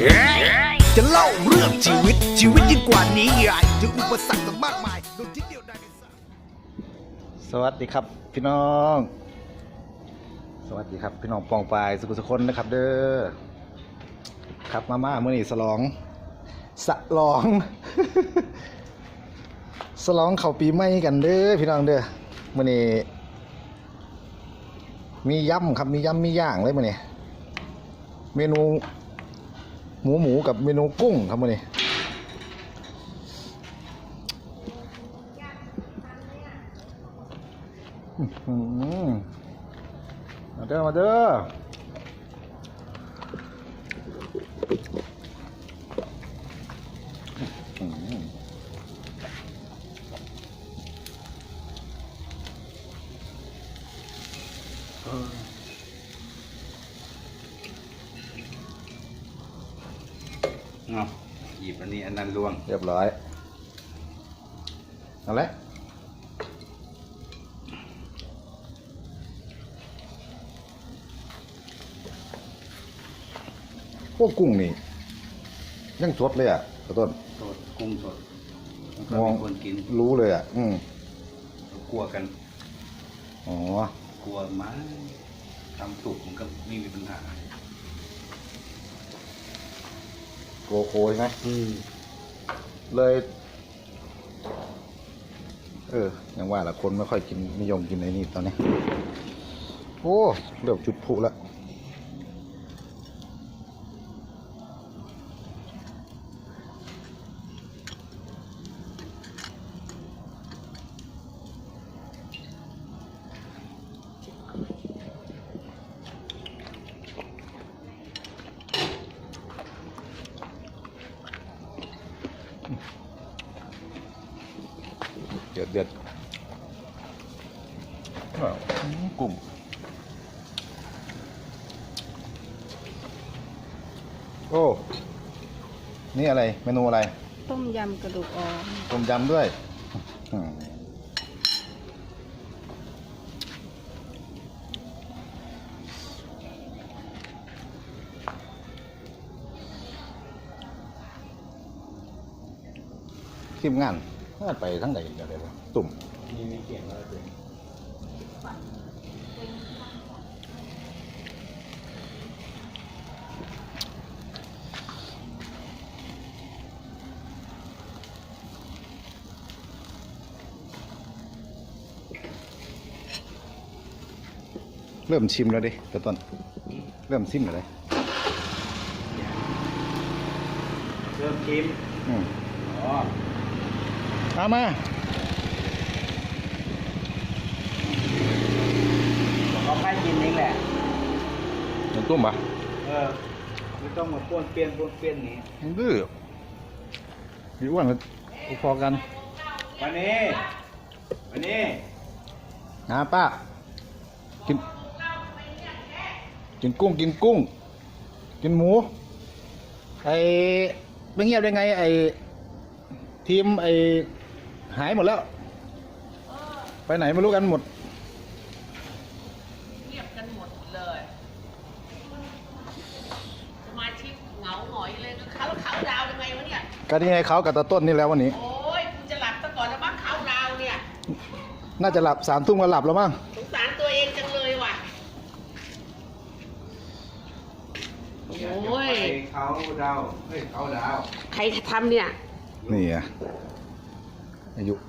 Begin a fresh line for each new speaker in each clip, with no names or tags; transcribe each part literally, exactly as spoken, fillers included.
จะเล่าเรื่องชีวิตชีวิตยิ่งกว่านี้ใหญ่ถึงอุปสรรคต่างมากมายโดยที่เดียวดายสวัสดีครับพี่น้องสวัสดีครับพี่น้องปองปายสุขุสุคนนะครับเด้อครับมาม่าเมื่อนี้สลองสลองสลองเข้าปีใหม่กันเด้อพี่น้องเด้อเมื่อนี้มียำครับมียำมีย่างเลยมื่อนี้เมนูหมูหมูกับเมนูกุ้งครับมื่อนี้มาเด้อมาเด้อ
เอาหยิบอันนี้อันนั้นล่วง
เรียบร้อยเอาละพวกกุ้งนี่ยังสดเลยอ่ะขอต้น
สดกุ้งสด
มอง
คนกิน
รู้เลยอ่ะอืม
กลัวกัน
อ๋อก
ลัวมั้งทำสุกมันก็ไม่มีปัญหา
โกโก้ใช่ไหมเลยเออยังว่าละคนไม่ค่อยกินนิยมกินไอ้นี่ตอนนี้โอ้เริ่มจุดผุแล้วเดือดเดือดกุ้งโอ้นี่อะไรเมนูอะไร
ต้มยำกระดูกอ่อน
ต้มยำด้วยทีมงานงานไปทั้งไหนกันเลยวะตุ่มมีมีเสียงอะไรเป็นเริ่มชิมแล้วดิตะต้นเริ่มชิมเลย
เริ่มชิม
อืม
อ๋อ
มามา
เขาให้กินเองแหละ
น้ำตุ้มปะ
เออไม่ต้องมาป้วนเปี้ยนป้วนเปี้ยนนี้
ดื้อมีอ้วนกันพอกัน
วันนี้วันนี้
นะป้ากินกินกุ้งกินกุ้งกินหมูไอ้ไม่เงียบได้ไงไอ้ทีมไอ้หายหมดแล้วไปไหนไม่รู้กันหมด
เงียบกันหมดเลยสมาชิกเหงาหงอยเลยเขาเขาดาวยังไงวะเนี่ย
ก็นี่ไงเขากับตาต้นนี่แล้ววันนี้
โอ้ยคุณจะหลับซะก่อนแล้วบ้างเขาดาวเนี่ย
น่าจะหลับสามทุ่มก็หลับแล้วมั้ง
สงสารตัวเองจังเลยว่ะโอ้ย
เขาดาวเฮ้ยเขาดาว
ใครทำเนี่ย
นี่อ่ะอายุ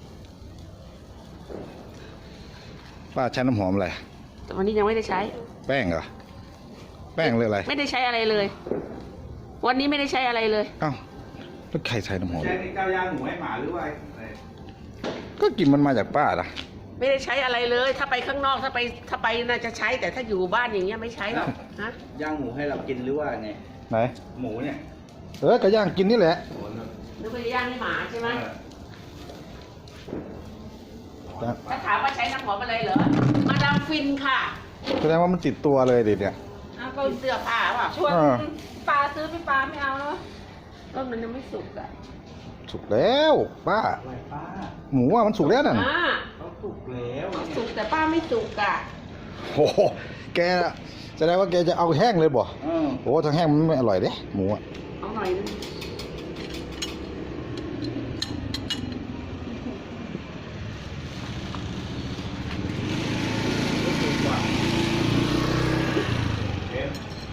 ป้าใช้น้ำหอมอะไร
วันนี้ยังไม่ได้ใช้
แป้งเหรอแป้งเลยอะไร
ไม่ได้ใช้อะไรเลยวันนี้ไม่ได้ใช้อะไรเลย
เอ้าแล้วใครใช้น้ำหอม
ใช้ในข้าวยางหมูให้หมาหรือว่า
ก็กินมันมาจากป้าล่ะ
ไม่ได้ใช้อะไรเลยถ้าไปข้างนอกถ้าไปถ้าไปน่าจะใช้แต่ถ้าอยู่บ้านอย่างเงี้ยไม่ใช้หรอกฮะ
ย่างหมูให้เรากินหรือว่าไง
ไหน
หมูเนี่ย
เออก็ย่างกินนี่แหละ
หรือไปย่างให้หมาใช่ไหมถ้าถามว่าใช้น้ำหอมอะไรเหรอมาดามฟินค่ะ
แสดงว่ามันติดตัวเลยดิเนี่ย
เอาก็เสื้อผ้าว่ะ
ชวนปลาซื้อพี่ปลาไม่เอาเนาะ
ก็มันยังไม่สุกอ่ะ
สุกแล้วป้าหมูอ่ะมันสุกแล้วนั่น
เขาสุกแล้ว
สุกแต่ป้าไม่สุกอ่ะ
โอ้โหแกแสดงว่าแกจะเอาแห้งเลยบ่
เออ
โอ้ทั้งแห้งมันไม่อร่อยเด้หมูอ่ะ
เอาหน่อยนึง
เอ็ม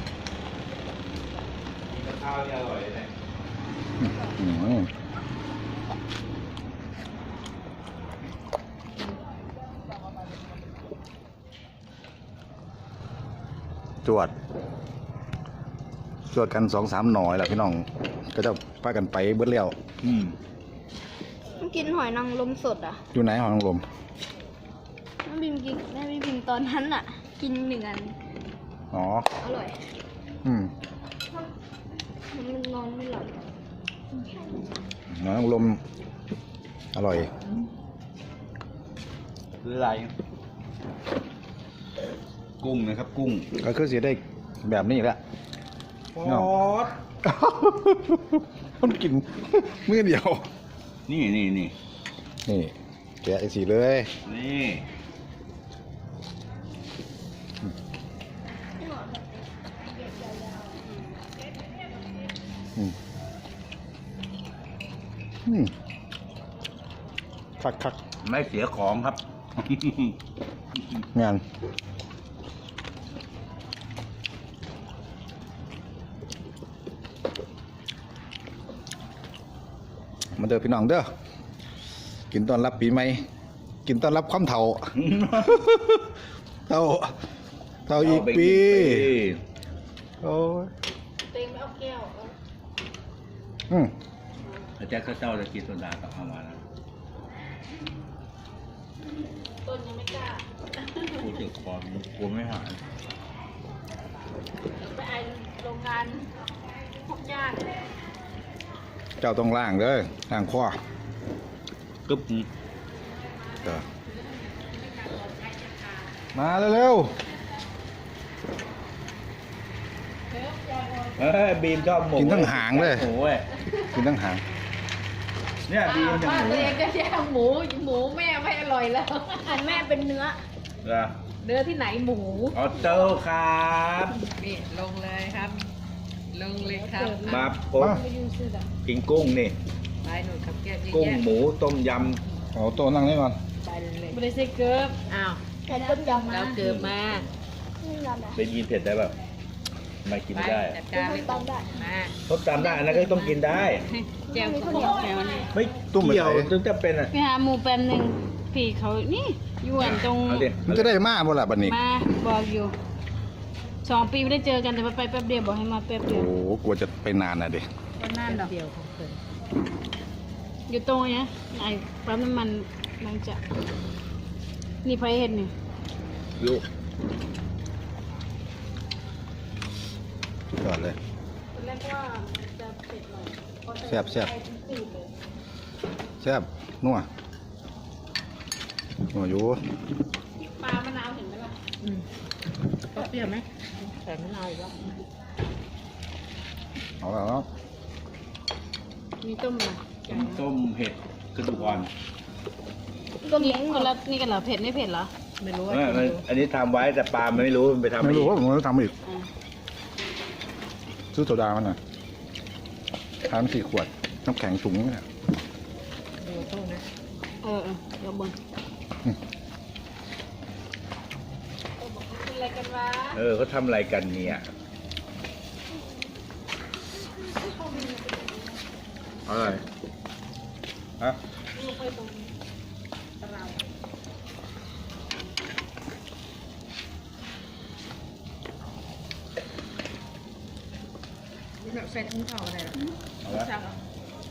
กินกับข้าวนี่อร่อยเลย
อืมจวดจวดกันสองสามหน่อยแหละพี่น้องก็จะพากันไปเบิดแล้ว
อืม
มันกินหอยนางรมสดอ่ะ
อยู่ไหนหอยนางรม
แม่บิมกินแม่บิมตอนนั้นอ่ะ กินหนึ่งอัน
อ๋อ
อร่อย
อืม
มันนอนไม่หลับ
หอยนางรมอร่อย
คืออะไร กุ้งนะครับ กุ้ง
ก็คือสิได้แบบนี้แหละ
ปอ
เนาะ
ด
มันกินมื้อเดียว
นี่นี่นี่
นี่แกะไอ้สีเลย
นี่
อืมอืมคักคัก
ไม่เสียของครับ
งานมาเด้อพี่น้องเด้อกินต้อนรับปีใหม่กินต้อนรับความเฒ่า เฒ่าเฒ่าอีกปีโอ้ย
เต็งไม่เอาแก้วเอา
อืม
อาจารย์ข้าเจ้าจะกินโซดากับเอามาแล้ว
ต้นยังไม่กล้า
กูเจ็บคอกูไม่หาย
ไปไอโรงงานพวกญาติ
เจ้าต้องล่างเด้อล่างคอก
ึ๊บ
เด้อมาเร็ว
เอ้ยบีมชอบหมู
ๆกินทั้งหางเลย
หมูเว้ย
กินทั้งหาง
เนี่ยบีมจะ
บ้า
ห
น
มู
ตัวเองก็แย่หมูหมูแม่ไม่อร่อยแล้ว
อันแม่เป็นเนื้อ
เหรอ
เนื้อที่ไหนหมู
ออโต้ครับ
นี่ลงเลยครับ ลงเลยครับ
มาปุ๊บ
มา
ไม่ยืนซื้อจ้ะ
กินกุ้งนี่
ไปหนูขับแก้มเยอะ
กุ้ง
แยะ
หมูต้มย
เอาโต๊ะนั่งนี่ก่อน
ไปเลย
ไม่ได้ใส่เกิร์ฟ
อ้าว
แต่ต้มยำ
เราเกิดมา
ไม่ยำนะ
ำได้ยินเผ็ดได้แบบไม่กิน
ไป
ได้
จัดการเลย
ต้มได้
มา
ต้มตำได้อันนั้นก็ต้องกินได้
แก้วข้าวเหนียวแก้วนี่
ไม่
ตุ้มไป
เกี่ยว
ไหน
ถึงจะเป็นอ่ะ
ไปหาหมูแป๊บหนึ่งพี่เขานี่อยู่อันตรง
เอาดิ
มันจะได้มาบ่ล่ะบัดนี้
มาบอกอยู่สองปีไม่ได้เจอกันแต่ว่าไปแป๊บเดียวบอกให้มาแป๊บเดียว
โอ้โหกลัวจะไปนานน่ะดิ
ก็นั่นดอกเดียวของเพิ่นอยู่ตรงเนี้ยไอ้ปั๊มน้ำมันมันจะนี่ไฟเห็นนี่
ลูก
ยอดเลย
ตอนแรกว่ามันจะเผ็ดหน่อยพอใส่
แซ่บแซ่บ
ไปถึงจืดเลย
แซ่บนัวนัวอยู่
ปลามะนาวเห็นไหมล่ะ
อืมก็เปรี้ยวไหมใส่มะนาวอีกแล้ว
เอาแล้วเนาะ
มีต้มอะไร
ต้มต้มเห็ดกระดูกอ่อน
ก็
นี่
เม้ง
คนละนี่กันเหรอเผ็ดไม่เผ็ดเหรอไม่รู้ว่า
เออมันอันนี้ทำไว้แต่ปลามันไม่รู้มันไปทำ
ไม่รู้
อีก
ว่าผมจะทำอีกซื้อโซดามันหน่อยทานสี่ขวดน้ำแข็งถุงเนี่ย
ดูตู้นะเออเออเดี๋ยวบน
เป็นอะไรกันวะ
เออเขาทำอะไรกันเนี่ยอะไรฮะ
แบบใส่ถุงเข่าอะไรหรอ
เอาละ
จับเหรอ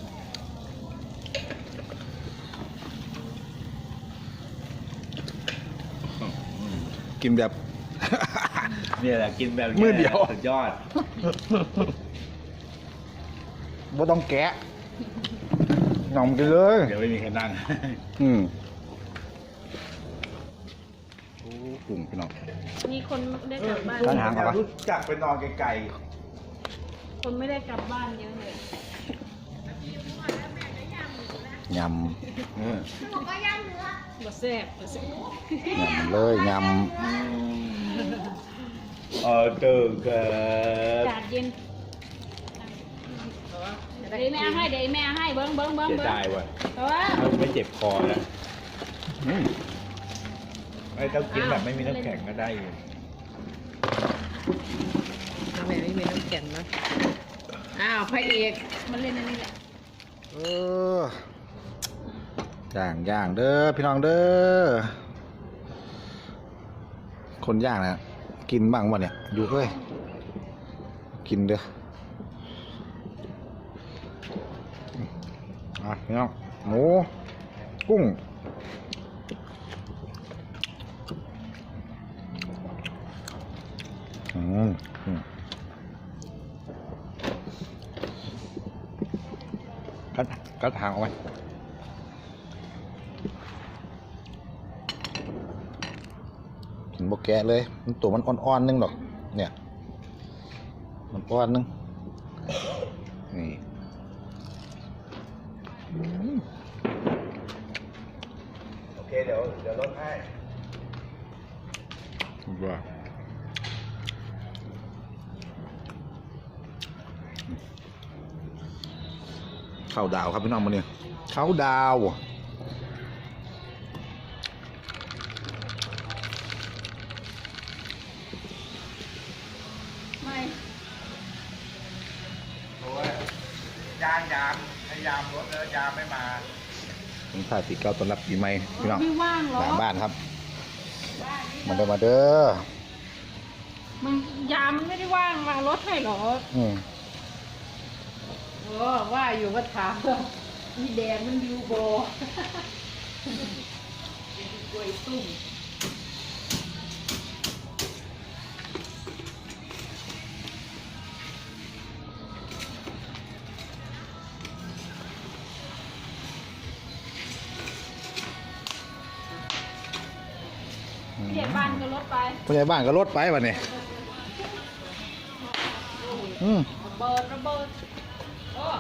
กินแบบ
เนี่ยแหละกินแบบนี้
มื้อเดียว
สุดยอด
บ่ต้องแกะหน่อมกินเลย
เดี๋ยวไม่มีใครนั่ง
อืมโอ้กลุ่มพี่น้อง
มีคนได้กลับบ้าน
ร้านหางเหรอ
รู้จักไปนอนไกล
คนไม่ได้กลับบ้านเยอะเลย
ย
ๆเออ
บ่แซ่บบ่แซ่บ
ำยำเลยย
เออเจอกั
อาน กาศเย็นเดี๋ยวแม่เอาให้เดี๋ยวแม่เอาให้เบิ้งเบิ้งเบิ้ง
เสีย
เบิ้ง
ดายว่ะ
แต่ว่า
มันไม่เจ็บคอนะอืมไอ้ต้องกินแบบไม่มีน้ำแข็งก็ได้อยู่
ทำไมไม่มีน้ำแข็งนะอ้าวพระเอก
มันเล่นอันนี้แหละ
เออย่างย่างเด้อพี่น้องเด้อคนย่างนะกินบ้างวะเนี่ยอยู่เฮ้ยกินเด้ออ่ะพี่น้องหมูกุ้งอืมอืมกัดกัดทางเอาไว้กินบกแกะเลยมันตัวมันอ่อนๆนึงดอก เนี่ย มันอ่อนนึง นี่อืม
โอเคเดี๋ยวเดี๋ยวลดให้
ว้าข้าวดาวครับพี่น้องมาเนี่ยข้าวดาว
ไม่
โอ้ยยามยามพยายามลดแล้วยามไม่มา
ผมถ่ายปีเก้าต้อนรับปีใหม่พี่น้อง
ไม่ว่างหรอ
หลังบ้านครับ มาเด้อมาเด้อ
มันยามันไม่ได้ว่างวางรถให้หรอ
อืม
โอ้ว่าอยู่ว่าถามมีแดงมันยูโบกล้วยตุ้ม
ผู้ใหญ่บ้านก็รถไป
ผู้ใหญ่บ้านก็ลดไปวันนี้อืม
ระเบิดระเบิดโอ้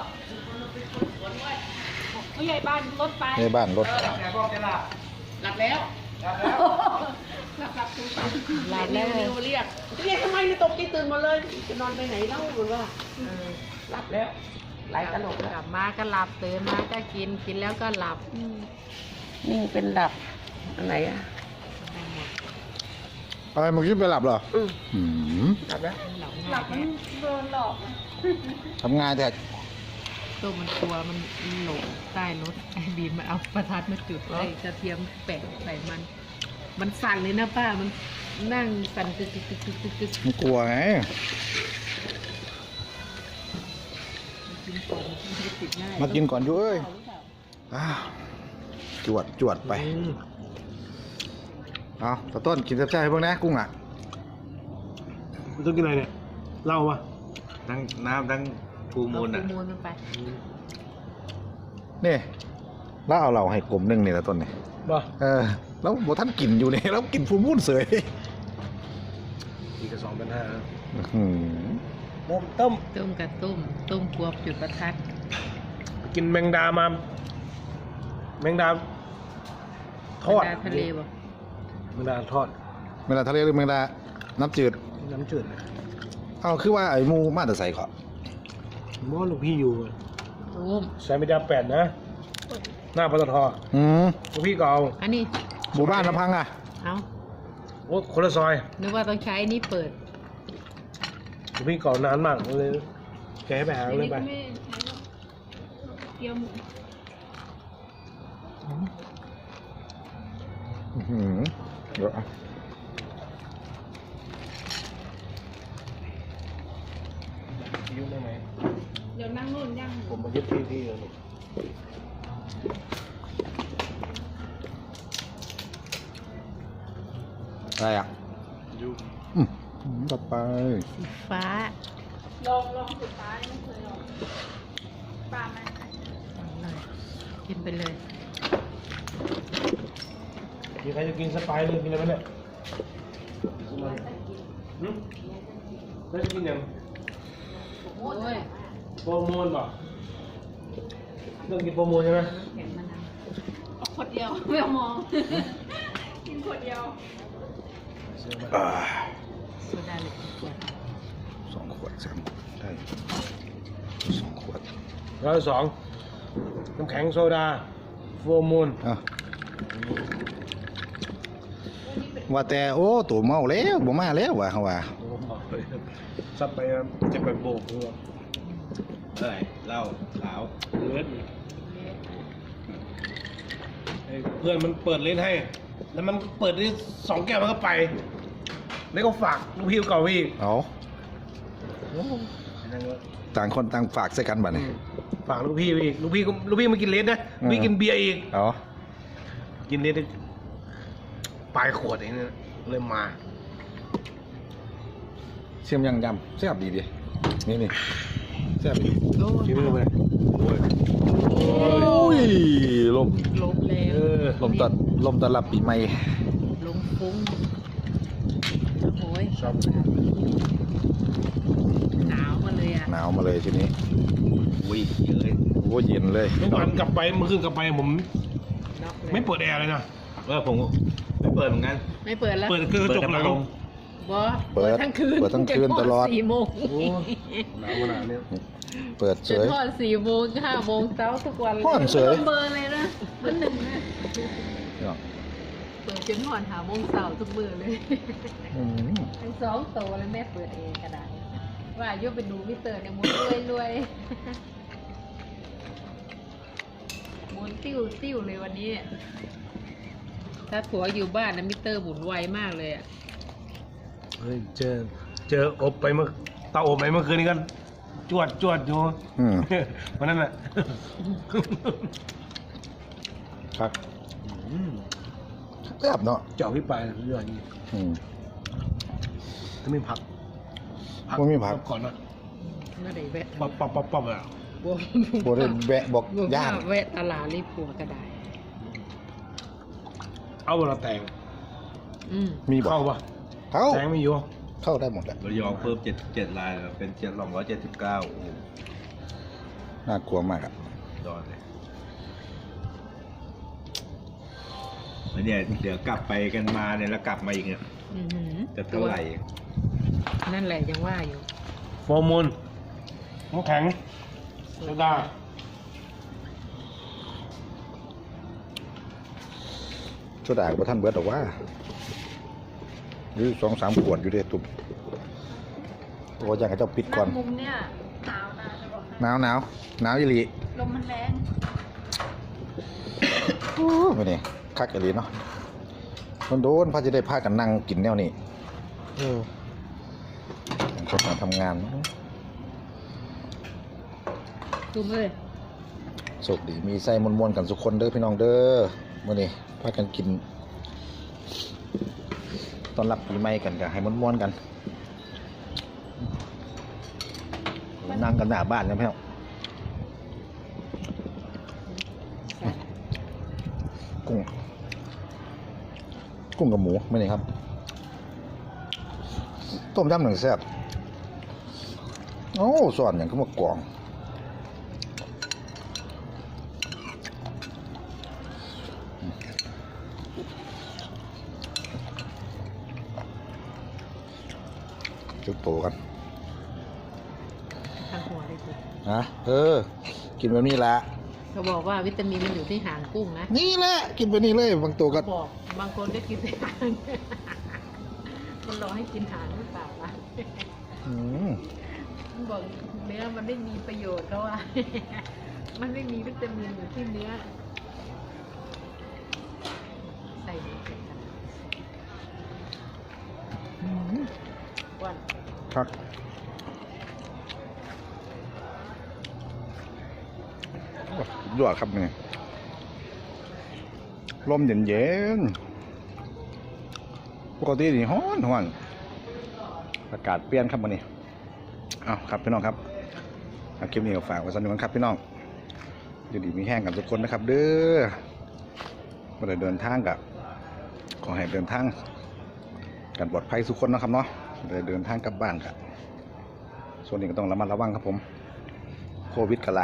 ผู้ใหญ่บ้านรถไป
ผู้ใหญ่บ้านลด
แต่บอกจะหลับ
หลับแล้ว
หลับแล้ว
หลับหลับตื่น
หลับแล้วนิวเรียกเรียกทำไมนี่ตกใจตื่นหมดเลยจะนอนไปไหนเล่าหรือว่าหลับแล้วไหลตลกแล้ว
กลับมาก็หลับตื่นมาก็กินกินแล้วก็หลับ
นี่เป็นหลับอันไหนอ่ะ
อะไรเมื่อกี้ไปหลับเหรอ
อืม
อืม
หลับแล้ว
หลับ
หลับมันโดนหลอก
ทำงานแต่
ตัวมันกลัวมันหลงใต้รถไอ้บีมมาเอาประทัดมาจุดไอ้กระเทียมแปะใส่มัน มันสั่นเลยนะป้ามันนั่งสั่นตึกตึกตึกตึกตึกตึก
มันกลัวไง
กินก่อนมันจะติดง่าย
มากินก่อนอยู่เอ้ยอ้าวจวดจวดไปเอาตะต้นกินแซ่บๆให้เบิ่งนะกุ้งอ่ะ
มันต้องกินอะไรเนี่ยเหล้าปะ
ทั้งน้ำทั้งฟู
เอา
มูล
ฟู
อ่ะ
มูลมันไป
นี่แล้วเอาเราให้กลมหนึงนี่ตะต้นนี่
บ่
เออแล้วบท่านกินอยู่เนี่ยแล้วกินฟูมูนเสย
อีกกระสองเป็นห้า
อื้อหือ
ต้มต้ม
ต้มกับต้มต้มกวบจุดประทัด
กินแมงดามาแมงดาทอด
ปลาทะเลบอก
แมงดาทอด
เวลาทะเลหรือแมงดาน้ำจืด
น้ำจืด
เอาคือว่าไอ้หมูมาแต่ใส่ขอ
มอลูกพี่อยู่
ต้ม
ใช้แมงดาแปดนะ หน้าปตท
อืม
ลูกพี่ก็เอา
อันนี้
หมู่บ้านลำพังอ่ะ
เอา
โอ้คนละซอย
นึกว่าต้องใช้อันนี้เปิด
ลูกพี่ก่อนานมากเลยแกให้ไปหา
อัน
เลย
นี้
ไป
ก็ไม่ใช้หรอกเกี๊ยวหมู
อื้อหือเดี๋ยวเอา
ยุ่งได้ไหม
เดี๋ยวนั่งนู่นย่างหมู
ผมมายึดที่ที่เลยลูก
อะไรอ่ะ
ยุ่ง
อืมต่อไป
สีฟ้า
ลองลองสุดท้ายไม่เคยลองปลาไหม
เอาเลยกินไปเลย
มีใครจะกินสไปซ์เลยกินอะไรไหมเนี่ยหืมแล้วจะกินยัง
โอ้ย
โปรโมนป่ะเรื่องกินโปรโมนใช่ไหม
แข็งมะนาว
เอาขวดเดียวไม่เอามอง กินขวดเดียว
อ่า
ซดาเหล็กขวด
สองขวดสามได้สองขวด
ร้อยสองน้ำแข็งโซดาโฟมูล
อ่ะว่าแต่โอ้ตัวเมาแล้วบ่มาแล้วว่ะเขาว่า
ซับไปจะไปโบกเพื่อ
เท่าไหร่เหล้าขาว
เลือดเพื่อนมันเปิดเล่นให้ แล้วมันเปิดได้สองแก้วมันก็ไป แล้วก็ฝากลูกพี่เก่าพี่
เอาต่างคนต่างฝากใส่กันบัดนี้
ฝากลูกพี่อีกลูกพี่ก็ลูกพี่มากินเลสนะลูกพี่กินเบียร์อีก
เอา
กินเลสได้ปลายขวดเองเนี่ยเลยมา
เสียมยังยำแซ่บดีดินี่นี่แซ่บดี
ชิมไป
โอ้ยลม
ลมแล้ว
ลมตอนลมตอนรับปีใหม่
ลมฟุ้งโอ้ย
ชอบ
หนาวมาเลยอ่ะ
หนาวมาเลยทีนี้
วิ่งเยอะเลย
โอ้เย็นเลย
เมื่อวานกลับไปเมื่อคืนกลับไปผม
น็อกเลย
ไม่เปิดแอร์เลยนะ
เออผมไม่เปิดเหมือนกัน
ไม่เปิดแล้ว
เปิดคือกระจกหลัง
บอ
เปิด
ทั้งคืน
เปิดทั้งคืนตลอด
สี่โมง
โอ้หนาวขนาดนี้
เปิดเฉ
จน
ย
ทอดสี่โมงห้าโมงเช้าทุกวันเลย
ฮ้อนเฉย
เบอร์เลยนะเบอร์หนึ่งนะ
เปิดจนทอดหาโมงเช้าทุกมื้อเลย
อืม
ทั้งสองโตแล้วแม่เปิดเองก็ได้ว่าโยไปดูมิเตอร์เนี่ยหมุนรวยรวยหมุนติ้วติ้วเลยวันนี้ ถ้าผัวอยู่บ้านนะมิเตอร์หมุนไวมากเลยอ่ะ
เฮ้ยเจอเจออบไปเมื่อเตาอบไปเมื่อคืนนี้กันจวดจวดอยู่
อืม
วันนั้นแหละ
ครับแซ่บเนาะ
เจาะพี่ปลายเรื่องนี้
อืม
ถ้าไม่พัก
ไม่มีผัก
ก่อนนะ
ไม่ได้แวะ
ป๊อปป๊อปป๊อปป๊อปอ่ะ
บัว
บ่ได้แวะบอก
บัว
ย่าน
แวะตลาดรีบผัวก็ได้
เอาเวลาแต่ง
อืม
มีบอก
เข้าปะ
เข้า
แต่งไม่อยู่
เข้าได้หมดแหละ
ระยองเพิ่มเจ็ดเจ็ดลายแล้วเป็นเจ็ดสองร้อยเจ็ดสิบเก้าโอ้
น่ากลัวมากอ่ะ
ยอดเลยแล้วเนี่ยเดี๋ยวกลับไปกันมาเนี่ยแล้วกลับมาอีกเนี่ย
อือหือ
จะเท่าไหร่
นั่นแหละยังว่าอยู่
โฟมูลน้ำแข็งโซดา
โซดากับท่านเบิร์ดหรอกว่าหรือสองสามขวดอยู่เด้ตุ่มโอ้ยังให้เจ้าปิดก่อน
มุมเนี่ยหนาวนะจะบอกให้
หนาวหนาวหนาวอีหลี
ลมมันแรง
ไม่นี่คักอีหลีเนาะมันโดนพาจะได้พากันนั่งกินแนวนี้เออคนมาทำงาน
ดูเลย
โชคดีมีไส้มวนๆกันทุกคนเด้อพี่น้องเด้อมื่อนี้พากันกินตอนรับปีใหม่กันกันให้มวนๆกันนั่งกันหน้าบ้านกันพี่น้องกุ้งกุ้งกับหมูไม่นี่ครับต้มยำหนึ่งแซ่บโอ้สอนอย่างก็มากรองจุดโตกัน
ทางหัวเลยสิ
นะเออ กินแบบนี้ละ
เขาบอกว่าวิตามินมันอยู่ที่หางกุ้งนะ
นี่แหละกินแบบนี้เลยบางตัวก็
บอกบางคนก็กินแต่หางมันรอให้กินหางหรือเปล่าล่ะ
อืม
มันบอกเนื้อมันไม่มีประโยชน์เขาว่า มันไม่มีวิตามินอยู่ที่เนื้อใส่เนื้อกันวัน
ครับยอดครับนี่ลมเย็นเย็นๆปกตินี่ฮ้อนฮ้อนอากาศเปลี่ยนครับวันนี้เอาครับพี่น้องครับเอาคลิปนี้ก็ฝากไว้สักหนึ่งครับพี่น้องอยู่ดีมีแห้งกันทุกคนนะครับ เด้อเมื่อเดินทางกับขอให้เดินทางกันปลอดภัยทุกคนนะครับเนาะเดินเดินทางกลับบ้านครับส่วนนี้ก็ต้องระมัดระวังครับผมโควิดกระไร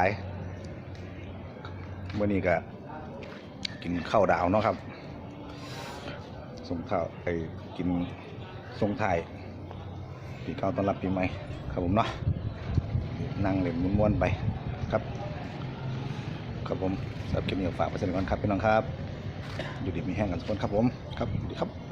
เมื่อนี้ก็กินข้าวดาวเนาะครับส่งข้าวไปกินส่งไทยปีเก่าต้อนรับปีใหม่ครับผมเนาะนั่งเล่นม้วนๆไปครับครับผมสำหรับคลิปนี้ฝากไว้สักนิดก่อนครับพี่น้องครับอยู่ดีมีแห้งกันทุกคนครับผมครับสวัสดีครับ